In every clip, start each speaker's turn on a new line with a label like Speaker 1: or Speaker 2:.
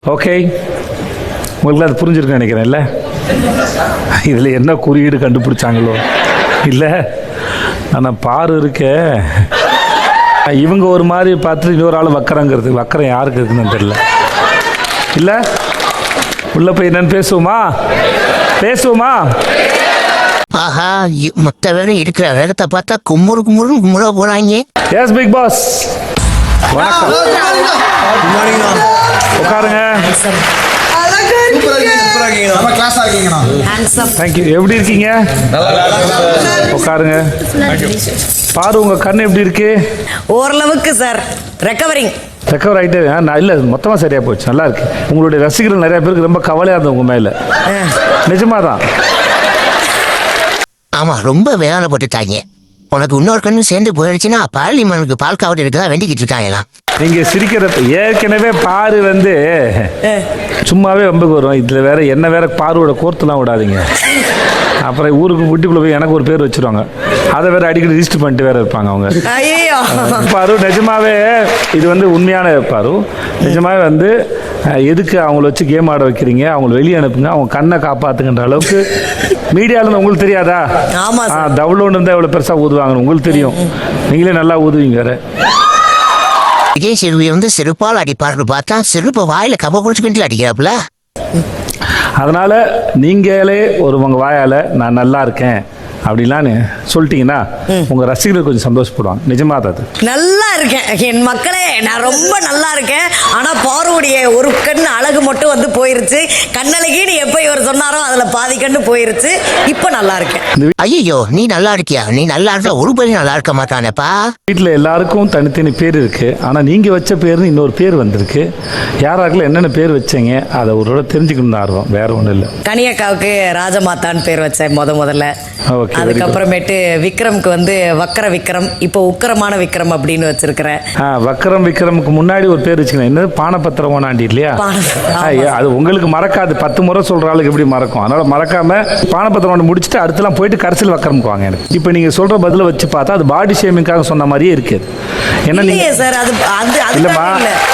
Speaker 1: Okay, உங்களுக்கு அது புரிஞ்சிருக்குன்னு நினைக்கிறேன். இல்லை இதில் என்ன குறியீடு கண்டுபிடிச்சாங்களோ இல்லை, ஆனால் பாரு இருக்க இவங்க ஒரு மாதிரி பார்த்துட்டு இன்னொரு ஆள் வக்கரங்கிறது. வக்கரம் யாருக்கு இருக்குன்னு தெரியல. இல்லை உள்ளே போய் என்னன்னு பேசுவோமா?
Speaker 2: ஆஹா, மொத்த வேலை இருக்கிற வேகத்தை பார்த்தா கும்முற போறாங்க.
Speaker 1: எஸ் பிக் பாஸ், வணக்கம். உட்காருங்க. தேங்க்யூ. எப்படி இருக்கீங்க? உட்காருங்க. பாரு, உங்க கண்ணு எப்படி இருக்கு?
Speaker 3: ஓரளவுக்கு சார்,
Speaker 1: ரெக்கவர் ஆகிட்டு நான் இல்லை, மொத்தமாக சரியாக போச்சு. நல்லா இருக்கு. உங்களுடைய ரசிகர்கள் நிறைய பேருக்கு ரொம்ப கவலையாக இருந்தது உங்க மேலே. நிஜமாக தான்.
Speaker 2: ஆமா, ரொம்ப வேதனைப்பட்டுட்டாங்க. உனக்கு இன்னொரு கண்ணு சேர்ந்து போயிடுச்சுன்னா பார்லிமெண்ட்டுக்கு பால் காவடி இருக்கதா வேண்டிக்கிட்டு இருக்காங்களாம்.
Speaker 1: நீங்க சிரிக்கிறது ஏற்கனவே பாரு வந்து சும்மாவே வம்புக்கு வரும். இதுல வேற என்ன வேற பாருவோட கோர்த்துலாம் விடாதீங்க. அப்புறம் ஊருக்கு வீட்டுக்குள்ள போய் எனக்கு ஒரு பேர் வச்சிருவாங்க. அதை வேற அடிக்கடி ரிஜிஸ்டர் பண்ணிட்டு வேற இருப்பாங்க அவங்க. பாரு, நிஜமாவே இது வந்து உண்மையான பாரு. நிஜமாவே வந்து எதுக்கு அவங்கள வச்சு கேம் ஆட வைக்கிறீங்க? அவங்கள வெளியே அனுப்புங்க, அவங்க கண்ணை காப்பாத்துங்கன்ற அளவுக்கு மீடியால இருந்து உங்களுக்கு தெரியாதா? டவுன்லோட் இருந்தால் எவ்வளோ பெருசாக ஊதுவாங்கன்னு உங்களுக்கு தெரியும். நீங்களே நல்லா ஊதுவீங்க வேற.
Speaker 2: விஜய் சேதுபதி வந்து செருப்பால் அடிப்பார்னு பார்த்தா செருப்பை வாயில கப்ப குடிச்சுக்கிட்டு அடிக்கிறாப்புல.
Speaker 1: அதனால நீங்களே உங்க வாயால நான் நல்லா இருக்கேன் அப்படின்லான்னு சொல்லிட்டீங்கன்னா உங்க ரசிகர்கள் கொஞ்சம் சந்தோஷப்படுவாங்க. நிஜமா அது
Speaker 3: நல்லா இருக்கேன் என் மக்களே, நான் ரொம்ப நல்லா இருக்கேன். ஆனா பாருவுடைய ஒரு கண் அழகு மட்டும் வந்து போயிருச்சு. கண்ணழகின்னு எப்ப இவர் சொன்னாரோ அதுல பாதி கண்ணு போயிருச்சு. இப்ப நல்லா இருக்கேன்.
Speaker 2: ஐயோ, நீ நல்லா இருக்கியா? நீ நல்லா இருந்தா ஒரு பேரும் நல்லா இருக்க மாட்டானேப்பா.
Speaker 1: வீட்டில் எல்லாருக்கும் தனித்தனி பேர் இருக்கு. ஆனா நீங்க வச்ச பேர்னு இன்னொரு பேர் வந்திருக்கு. யாராருக்குள்ள என்னென்ன பேர் வச்சீங்க அதை ஒரு தெரிஞ்சுக்கணும்னு ஆர்வம், வேற ஒன்றும் இல்லை.
Speaker 3: கனியக்காவுக்கு ராஜமாதான்னு பேர் வச்சேன் முதல்ல. அதுக்கப்புறமேட்டு விக்ரம்க்கு வந்து வக்கர விக்ரம், இப்போ உக்கரமான விக்ரம் அப்படின்னு வச்சிருக்கிறேன்.
Speaker 1: வக்கரம் விக்ரமுக்கு முன்னாடி ஒரு பேர் வச்சுக்கிறேன். என்னது? பானபத்திரம் ஓனாண்டி இல்லையா? அது உங்களுக்கு மறக்காது. 10 முறை சொல்ற ஆளுக்கு எப்படி மறக்கும்? அதனால மறக்காம பானபத்திரம் முடிச்சுட்டு அடுத்தலாம் போயிட்டு கடைசியில் வக்கரமுக்கு வாங்க. எனக்கு இப்போ நீங்க சொல்ற பதில வச்சு பார்த்தா அது பாடி ஷேமிங்காக சொன்ன மாதிரியே இருக்கு. என்ன நீங்க
Speaker 3: சார் அது
Speaker 1: இல்லம்மா,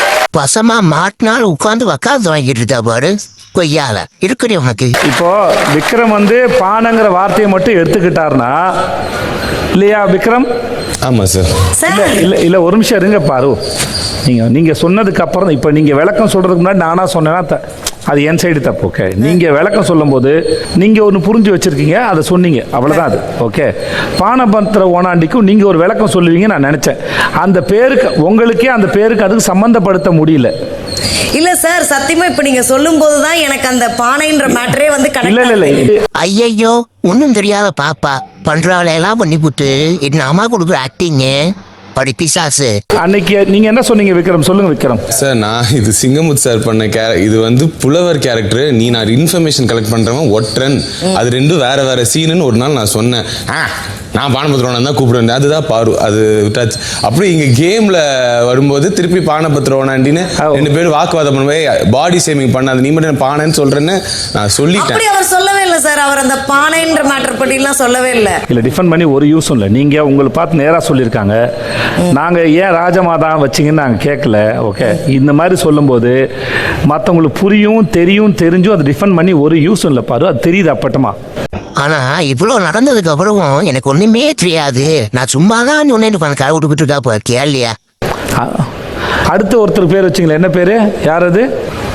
Speaker 2: பசமா மாட்டினால் உட்காந்து உக்காந்து வாங்கிட்டு இருக்கா பாரு. கொய்யால இருக்கிற உனக்கு.
Speaker 1: இப்போ விக்ரம் வந்து பானங்கிற வார்த்தையை மட்டும் எடுத்துக்கிட்டாருன்னா இல்லையா விக்ரம்?
Speaker 4: ஆமா சார்.
Speaker 1: இல்ல ஒரு நிமிஷம் இருங்க பாரு. நீங்க சொன்னதுக்கு அப்புறம் இப்ப நீங்க விளக்கம் சொல்றதுக்கு முன்னாடி நானா சொன்னேன்னா அது என் சைடு தப்பு. ஓகே, நீங்க விளக்கம் சொல்லும் போது நீங்க ஒன்று புரிஞ்சு வச்சிருக்கீங்க, அதை சொன்னீங்க, அவ்வளவுதான் அது. ஓகே, பானபத்திர ஓனாண்டிக்கும் நீங்க ஒரு விளக்கம் சொல்லுவீங்க நான் நினைச்சேன். அந்த பேருக்கு உங்களுக்கே அந்த பேருக்கு அதுக்கு சம்பந்தப்படுத்த முடியல.
Speaker 3: இல்ல சார், சத்தியமா இப்ப நீங்க சொல்லும் போதுதான் எனக்கு அந்த பானைன்ற மேட்டரே வந்து
Speaker 1: இல்ல.
Speaker 2: ஐயோ, ஒன்னும் தெரியாத பாப்பா பண்றாவளையெல்லாம் பண்ணி புட்டு என்ன அம்மா கொடுக்குற ஆக்டிங் படி பிசாசு.
Speaker 1: அன்னைக்கு நீங்க என்ன சொன்னீங்க விக்ரம்? சொல்லுங்க விக்ரம்.
Speaker 4: சார், நான் இது சிங்கமுத் சார் பண்ண இது வந்து புலவர் கேரக்டர். நான் இன்ஃபர்மேஷன் கலெக்ட் பண்றவன் ஒற்றன். அது ரெண்டும் வேற சீனுன்னு ஒரு நாள் நான் சொன்னேன். நான் பானபத்திரம் தான் கூப்பிடுவேன். அதுதான் பாரு, அது விட்டாச்சு. அப்படி இங்க கேம்ல வரும்போது திருப்பி பானபத்திரம்னாண்டின்னு 2 பேரும் வாக்குவாதம் பண்ணுவே. பாடி ஷேமிங் பண்ணாது, நீ மட்டும் பானைன்னு சொல்றேன்னு நான் சொல்லிட்டேன்.
Speaker 3: அவர் சொல்லவே இல்லை சார். அவர் அந்த பானைன்ற மேட்டர் பத்தி எல்லாம் சொல்லவே இல்லை.
Speaker 1: இல்ல டிஃபெண்ட் பண்ணி ஒரு யூஸும் இல்லை. நீங்க உங்களை பார்த்து நேரா சொல்லியிருக்காங்க. நாங்க ஏன் ராஜமாதா வச்சிங்கன்னு நாங்க கேட்கல. ஓகே, இந்த மாதிரி சொல்லும்போது மற்றவங்களுக்கு புரியும், தெரிஞ்சும் அதை டிஃபெண்ட் பண்ணி ஒரு யூஸும் இல்லை பாரு. அது தெரியுது அப்பட்டமா.
Speaker 2: ஆனா இவ்வளவு நடந்ததுக்கு அப்புறம் எனக்கு ஒண்ணுமே தெரியாது. நான் சும்மா தான் சொன்னேன். கை விட்டுக்கிட்டு இருக்கா கேள்வியா?
Speaker 1: அடுத்து ஒருத்தர் பேர் வச்சிங்களா? என்ன பேரு? யார் அது?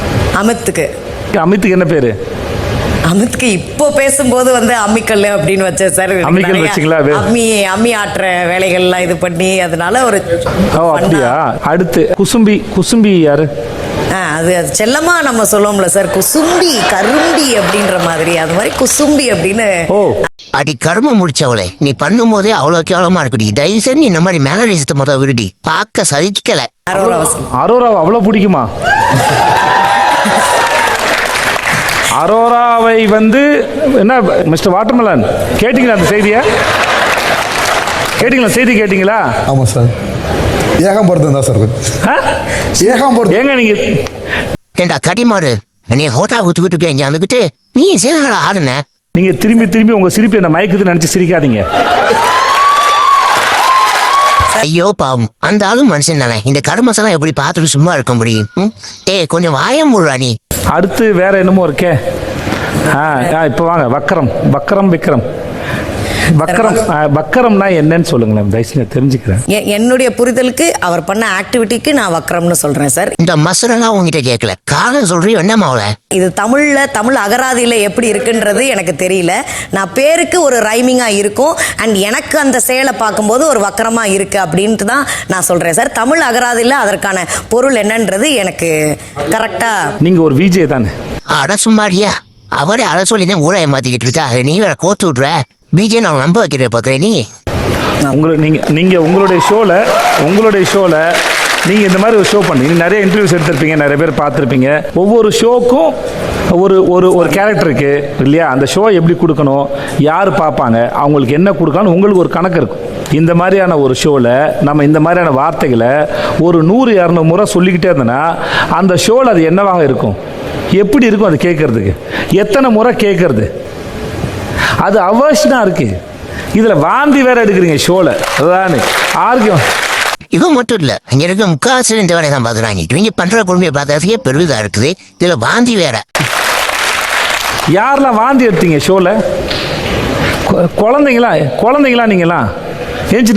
Speaker 1: அமித்துக்கு என்ன பேரு?
Speaker 3: அமித்க்கு இப்போ பேசும்போது வந்து அம்மிக்கல் அப்படின்னு வச்சேன் சார்.
Speaker 1: அம்மிக்கல் வச்சிங்களா?
Speaker 3: அம்மி ஆட்டுற வேலைகள்லாம் இது பண்ணி அதனால ஒரு.
Speaker 1: அப்படியா? அடுத்து குசும்பி யாரு?
Speaker 3: அது செல்லமா நம்ம சொல்லுவோம்ல சார், குசும்பி கரும்பி அப்படின்ற மாதிரி. அது மாதிரி குசும்பி அப்படின்னு.
Speaker 2: அடி கரும முடிச்சவளே, நீ பண்ணும் போதே அவ்வளவு கேவலமா இருக்குடி. தயவுசெய்து இந்த மாதிரி மேனரிசத்தை மொத்தம் விருடி. பார்க்க சகிக்கல.
Speaker 1: அரோராவை அவ்வளவு பிடிக்குமா? அரோராவை வந்து என்ன மிஸ்டர் வாட்டர்மெலன் கேட்டீங்களா? அந்த செய்தியை கேட்டீங்களா? செய்தி கேட்டீங்களா?
Speaker 5: ஆமா சார். ஏகாம்பரத்தன் தான் சார். ஏகாம்பரத்தன்
Speaker 1: ஏங்க நீங்க
Speaker 2: ஏண்டா கடிமாறு, நீ ஹோட்டா ஊத்துக்கிட்டு இங்க வந்துக்கிட்டு நீ சேனல ஆடுன.
Speaker 1: நீங்க திரும்பி உங்க சிரிப்பு என்ன மயக்குதுன்னு நினைச்சு சிரிக்காதீங்க.
Speaker 2: ஐயோ பாவம், அந்த ஆளும் மனுஷன் தானே. இந்த கருமசெல்லாம் எப்படி பார்த்துட்டு சும்மா இருக்க முடியும்? ஏய், கொஞ்சம் வாயம் முடுறா நீ.
Speaker 1: அடுத்து வேற என்னமோ இருக்கே. இப்போ வாங்க, வக்கரம் விக்ரம். வக்கரம்னா என்னன்னு சொல்லுங்களேன், தயவுசெய்து தெரிஞ்சுக்கிறேன்.
Speaker 3: என்னுடைய புரிதலுக்கு அவர் பண்ண ஆக்டிவிட்டிக்கு நான் வக்கரம்னு சொல்றேன் சார்.
Speaker 2: இந்த மசரெல்லாம் உங்ககிட்ட கேட்கல, காரணம் சொல்றியோ என்ன மாவுல?
Speaker 3: இது தமிழ் அகராதியில எப்படி இருக்குன்றது எனக்கு தெரியல. நான் பேருக்கு ஒரு ரைமிங்கா இருக்கும், அண்ட் எனக்கு அந்த செயலை பார்க்கும்போது ஒரு வக்கரமா இருக்கு அப்படின்ட்டு தான் நான் சொல்றேன் சார். தமிழ் அகராதியில அதற்கான பொருள் என்னன்றது எனக்கு கரெக்டா.
Speaker 1: நீங்க ஒரு விஜே தானே?
Speaker 2: அட சும்மாடியா, அவரே அட சொல்லி தான் ஊரை மாத்திக்கிட்டு இருக்கா. நீ வேற கோத்து விட்ற. பிஜே நான் நம்ப வைக்கிற பார்க்குறேன் நீ.
Speaker 1: நீங்கள் உங்களுடைய ஷோவில் நீங்கள் இந்த மாதிரி ஒரு ஷோ பண்ணி நிறைய இன்டர்வியூஸ் எடுத்திருப்பீங்க, நிறைய பேர் பார்த்துருப்பீங்க. ஒவ்வொரு ஷோக்கும் ஒரு கேரக்டர் இருக்குது இல்லையா? அந்த ஷோ எப்படி கொடுக்கணும், யார் பார்ப்பாங்க, அவங்களுக்கு என்ன கொடுக்கணும், உங்களுக்கு ஒரு கணக்கு இருக்கும். இந்த மாதிரியான ஒரு ஷோவில் நம்ம இந்த மாதிரியான வார்த்தைகளை ஒரு 100-200 முறை சொல்லிக்கிட்டே இருந்தோன்னா அந்த ஷோவில் அது என்னவாக இருக்கும், எப்படி இருக்கும் அது கேட்குறதுக்கு, எத்தனை முறை கேட்குறது, அது அவசியமாக இருக்குது. இதில் வாந்தி வேற எடுக்கிறீங்க ஷோவில். அதுதான் ஆர்கியம்.
Speaker 2: இவன் மட்டும் இல்லை, இங்கே இருக்க முக்காசு இந்த வேலையை தான் பார்க்குறாங்க. இவங்க பண்ணுற பொறுமையை பார்த்ததுக்கே பெருவிதாக இருக்குது. இதில் வாந்தி வேற.
Speaker 1: யாரெல்லாம் வாந்தி எடுத்தீங்க ஷோவில்? குழந்தைங்களா நீங்களாம்? ஏஞ்சி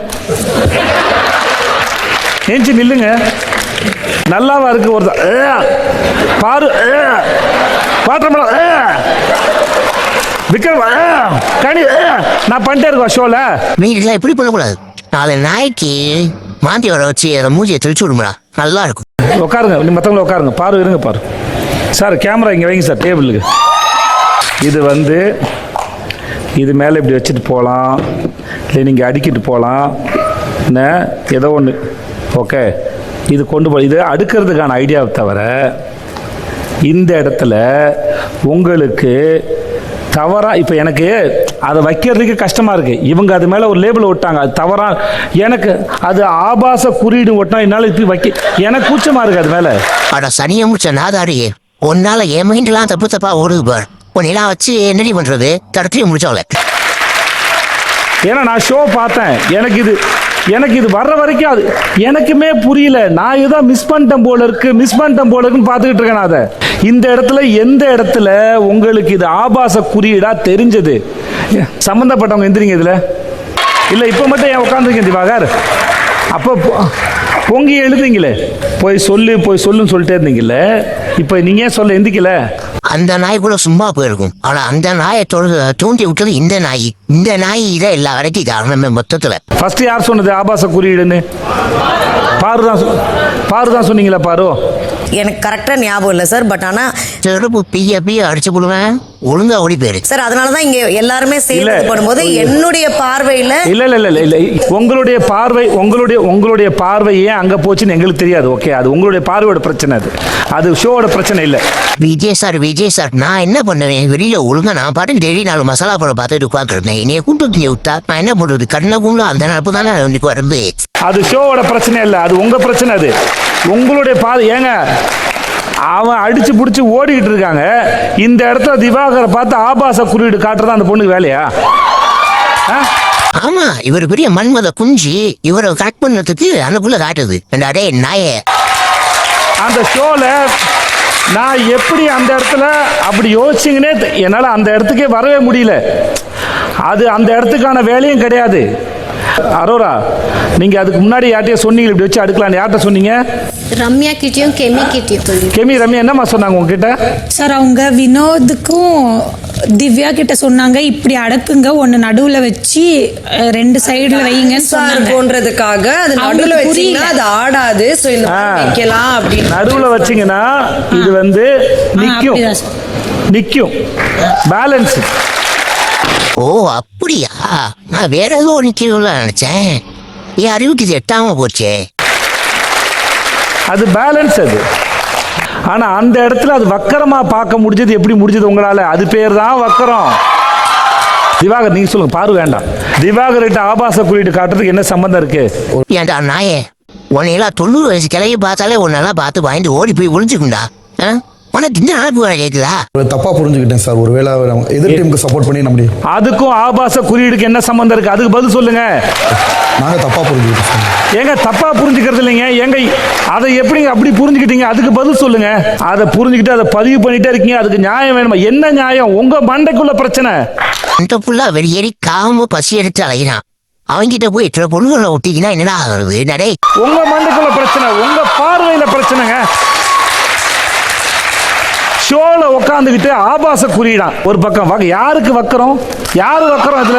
Speaker 1: நில்லுங்க. நல்லாவா இருக்கு? ஒரு பாரு பாத்திரம் விக்ரம் கனி நான் பண்ணிட்டே இருக்கோம் ஷோவில்.
Speaker 2: நீங்களாம் இப்படி பண்ணக்கூடாது. நாளை நாய்க்கு மாந்தி வர வச்சு அதை மூஞ்சியை தெளிச்சு விடுங்களா, நல்லா இருக்கும்.
Speaker 1: உட்காருங்க, நீ மற்றவங்கள உட்காருங்க. பாரு இருங்க பாரு சார், கேமரா இங்கே வைங்க சார் டேபிளுக்கு. இது மேலே இப்படி வச்சுட்டு போகலாம், இல்லை நீங்கள் அடிக்கிட்டு போகலாம், என்ன ஏதோ ஒன்று. ஓகே, இது கொண்டு போ. இது அடுக்கிறதுக்கான ஐடியாவை தவிர இந்த இடத்துல உங்களுக்கு தவறாக இப்போ எனக்கு அதை வைக்கிறதுக்கு கஷ்டமாக இருக்குது. இவங்க அது மேலே ஒரு லேபிள் விட்டாங்க, அது தவறாக. எனக்கு அது ஆபாச குறியீடு ஒட்டினா என்னால் இப்படி எனக்கு கூச்சமாக இருக்குது அது மேலே.
Speaker 2: அட சனியை முடிச்ச நாதாரியே, உன்னால என் மைண்ட்லாம் தப்பா ஓடுது பார். உன்னெல்லாம் வச்சு என்னடி பண்ணுறது, தடத்தையும் முடிச்சவள.
Speaker 1: ஏன்னா நான் ஷோ பார்த்தேன், எனக்கு இது வர்ற வரைக்கும் அது எனக்குமே புரியல. நான் ஏதோ மிஸ் பண்ணிட்டேன் போல இருக்குன்னு பார்த்துக்கிட்டு இருக்கேன். அதை எந்த இடத்துல உங்களுக்கு இது ஆபாச குறியீடா தெரிஞ்சது? சம்பந்தப்பட்டவங்க எந்திரிங்க இதில். இல்லை இப்போ மட்டும் ஏன் உட்காந்துருக்கேன் திவாகர்? அப்போ பொங்கி எழுதுங்களே, போய் சொல்லுன்னு சொல்லிட்டே இருந்தீங்கல்ல, இப்போ நீங்க ஏன் சொல்ல எந்திக்கல?
Speaker 2: அந்த நாய் கூட சும்மா போயிருக்கும். ஆனா அந்த நாயை தூண்டி விட்டது இந்த நாய் இதான் எல்லா வரைக்கும் காரணமே மொத்தத்துல.
Speaker 1: ஃபர்ஸ்ட் யார் சொன்னது ஆபாச குறியீடுன்னு? பாரு தான் சொன்னீங்களா? பாரு
Speaker 3: எனக்கு கரெக்டாக ஞாபகம் இல்லை சார். பட் ஆனால்
Speaker 2: செருப்பு பிய அடிச்சு போடுவேன், ஒழுங்கா ஓடி போயிரு
Speaker 3: சார். அதனால தான் இங்கே எல்லாருமே சேர்ந்து பண்ணும்போது என்னுடைய பார்வையில்
Speaker 1: இல்லை உங்களுடைய பார்வை ஏன் அங்கே போச்சுன்னு எங்களுக்கு தெரியாது. ஓகே, அது உங்களுடைய பார்வையோட பிரச்சனை, அது ஷோவோட பிரச்சனை இல்லை.
Speaker 2: விஜய் சார், நான் என்ன பண்ணுவேன்? வெளியில ஒழுங்கா நான் பாட்டுக்கு டெய்லி 4 மசாலா படம் பார்த்துட்டு உட்காந்துருந்தேன். என்னைய கூப்பிட்டு விட்டா நான் என்ன பண்றது? கண்ணை கும்பல அந்த நடப்பு தானே இன்னைக்கு வருது.
Speaker 1: அது ஷோவோட பிரச்சனை இல்லை, அது உங்க பிரச்சனை. அது உங்களுடைய ஏங்க அவன் அடிச்சு பிடிச்சி ஓடிக்கிட்டு இருக்காங்க. இந்த இடத்துல திவாகரை பார்த்து ஆபாச குறியீடு காட்டுறதா அந்த பொண்ணுக்கு வேலையா?
Speaker 2: ஆமா, இவர் பெரிய மன்மத குஞ்சு, இவரை கட் பண்ணதுக்கு அந்த புள்ள காட்டுது. அடே நாயே,
Speaker 1: அந்த ஷோல நான் எப்படி அந்த இடத்துல அப்படி யோசிச்சிங்கன்னே என்னால் அந்த இடத்துக்கே வரவே முடியல. அது அந்த இடத்துக்கான வேலையும் கிடையாது. அரோரா, நீங்க அதுக்கு முன்னாடி யார்ட்டையும் சொன்னீங்க இப்படி வச்சு அடுக்கலான்னு? யார்கிட்ட சொன்னீங்க?
Speaker 6: ரம்யா கிட்டயும் கிட்டயும்.
Speaker 1: ரம்யா என்னம்மா சொன்னாங்க உங்ககிட்ட?
Speaker 7: சார், அவங்க வினோதுக்கும் திவ்யா கிட்ட சொன்னாங்க, இப்படி அடக்குங்க, ஒன்னு நடுவுல வச்சு 2 சைடுல வைங்கன்னு சொன்னாங்க.
Speaker 8: போன்றதுக்காக அது நடுவுல வச்சீங்கன்னா அது ஆடாது, சோ இந்த மாதிரி வைக்கலாம் அப்படின்னு.
Speaker 1: நடுவுல வச்சீங்கன்னா இது நிக்கும் பேலன்ஸ்.
Speaker 2: ஓ அப்படியா? நான் வேற ஏதோ நிக்கல நினைச்சேன். என் அறிவுக்கு இது எட்டாம போச்சே.
Speaker 1: அது பேலன்ஸ் அது. ஆனா அந்த இடத்துல அது வக்கரமா பார்க்க முடிஞ்சது. எப்படி முடிஞ்சது உங்களால? அது பேர் தான் வக்கரம். திவாகர் நீங்க சொல்லுங்க. பாரு வேண்டாம். திவாகர் கிட்ட ஆபாச குறியீடு காட்டுறதுக்கு என்ன சம்பந்தம் இருக்கு?
Speaker 2: ஏன்டா நாயே, உன்னையெல்லாம் 90 வயசு கிளைய பார்த்தாலே உன்னெல்லாம் பார்த்து வாங்கிட்டு ஓடி போய் ஒளிஞ்சுக்குண்டா. உனக்கு இந்த அனுப்பு கேட்குதா?
Speaker 5: தப்பா புரிஞ்சுக்கிட்டேன் சார். ஒருவேளை எதிர் டீமுக்கு சப்போர்ட் பண்ணி நம்முடைய
Speaker 1: அதுக்கும் ஆபாச குறியீடுக்கு என்ன சம்பந்தம் இருக்கு? அதுக்கு பதில் சொல்லுங்க.
Speaker 5: நாங்கள் தப்பாக புரிஞ்சுக்கிட்டோம் சார்.
Speaker 1: ஏங்க தப்பா புரிஞ்சுக்கிறது இல்லைங்க. ஏங்க அதை எப்படிங்க அப்படி புரிஞ்சுக்கிட்டீங்க? அதுக்கு பதில் சொல்லுங்க. அதை புரிஞ்சுக்கிட்டு அதை பதிவு பண்ணிட்டே இருக்கீங்க. அதுக்கு நியாயம் வேணுமா? என்ன நியாயம்? உங்க மண்டைக்குள்ள பிரச்சனை.
Speaker 2: அந்த புள்ள வெளியேறி காம பசி எடுத்து அலையிறான். அவங்கிட்ட போய் இத்தனை பொருள்களை ஒட்டிக்கினா என்னடா ஆகுறது நடே?
Speaker 1: உங்க மண்டைக்குள்ள பிரச்சனை, உங்க பார்வையில பிரச்சனைங்க. ஷோல உட்காந்துக்கிட்டு ஆபாச குறியிடான் ஒரு பக்கம். யாருக்கு வக்கரம்? யாரு வக்கரம்? அதுல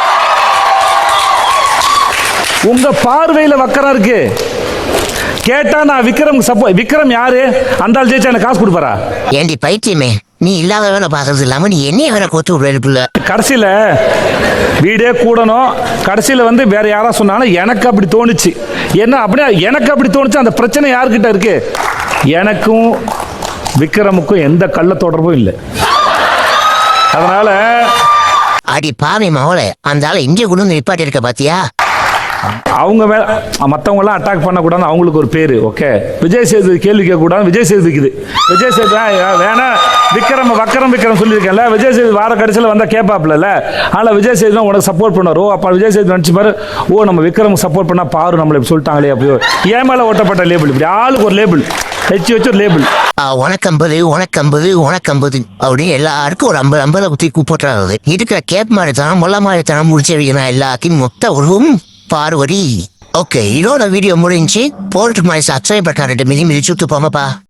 Speaker 1: உங்க பார்வையில வக்கரம் இருக்கு. கேட்டா நான் விக்ரம் விக்ரம் யாரு? அந்த ஆள் ஜெயிச்சா எனக்கு காசு கொடுப்பாரா?
Speaker 2: ஏண்டி பைத்தியமே, நீ இல்லாத வேலை பார்க்கறது இல்லாம நீ என்னைய வேற கொத்து விடுற.
Speaker 1: கடைசியில வீடே கூடணும். கடைசியில வந்து வேற யாரா சொன்னாலும் எனக்கு அப்படி தோணுச்சு. என்ன அப்படியே எனக்கு அப்படி தோணுச்சு. அந்த பிரச்சனை யாருக்கிட்ட இருக்கு? எனக்கும் விக்ரமுக்கும் எந்த கள்ள தொடர்பும் இல்லை. அதனால
Speaker 2: அடி பாவி மவளை, அந்த ஆளை இங்கே கொண்டு வந்து நிப்பாட்டி இருக்க பாத்தியா?
Speaker 1: அவங்க மற்றவங்க எல்லாம் அட்டாக் பண்ணக்கூடாது. அவங்களுக்கு ஒரு பேரு. ஓகே, விஜய் சேதுபதி கேள்வி கேட்கக்கூடாது. விஜய் சேதுபதிக்குது. விஜய் சேதுபதி வேணா விக்ரம் சொல்லியிருக்கேன்ல. விஜய் சேதுபதி வார கடைசியில் வந்தா கேட்பாப்ல. ஆனால் விஜய் சேதுபதி உனக்கு சப்போர்ட் பண்ணார். அப்போ விஜய் சேதுபதி நினச்சி பாரு, நம்ம விக்ரமுக்கு சப்போர்ட் பண்ணா பாரு நம்மளை இப்படி சொல்லிட்டாங்களே. அப்படியோ ஏன் மேலே ஓட்டப்பட்ட லேபிள். இப்படி ஆளுக்கு ஒரு லேபிள் வச்சு ஒரு லேபிள்.
Speaker 2: உனக்கம்பது அப்படின்னு எல்லாருக்கும் ஒரு 50 குத்தி கூப்பிட்டுறாரு. இருக்கிற கேப் மாதிரித்தனம் மொல்ல மாதிரித்தனம் முடிச்ச வைக்கணும் எல்லாத்தையும் மொத்த உருவம் பார்வதி. ஓகே, இதோட வீடியோ முடிஞ்சு போறதுக்கு மாதிரி சப்ஸ்கிரைப் பட்டா 2 மிதி மிதிச்சுட்டு போங்கப்பா.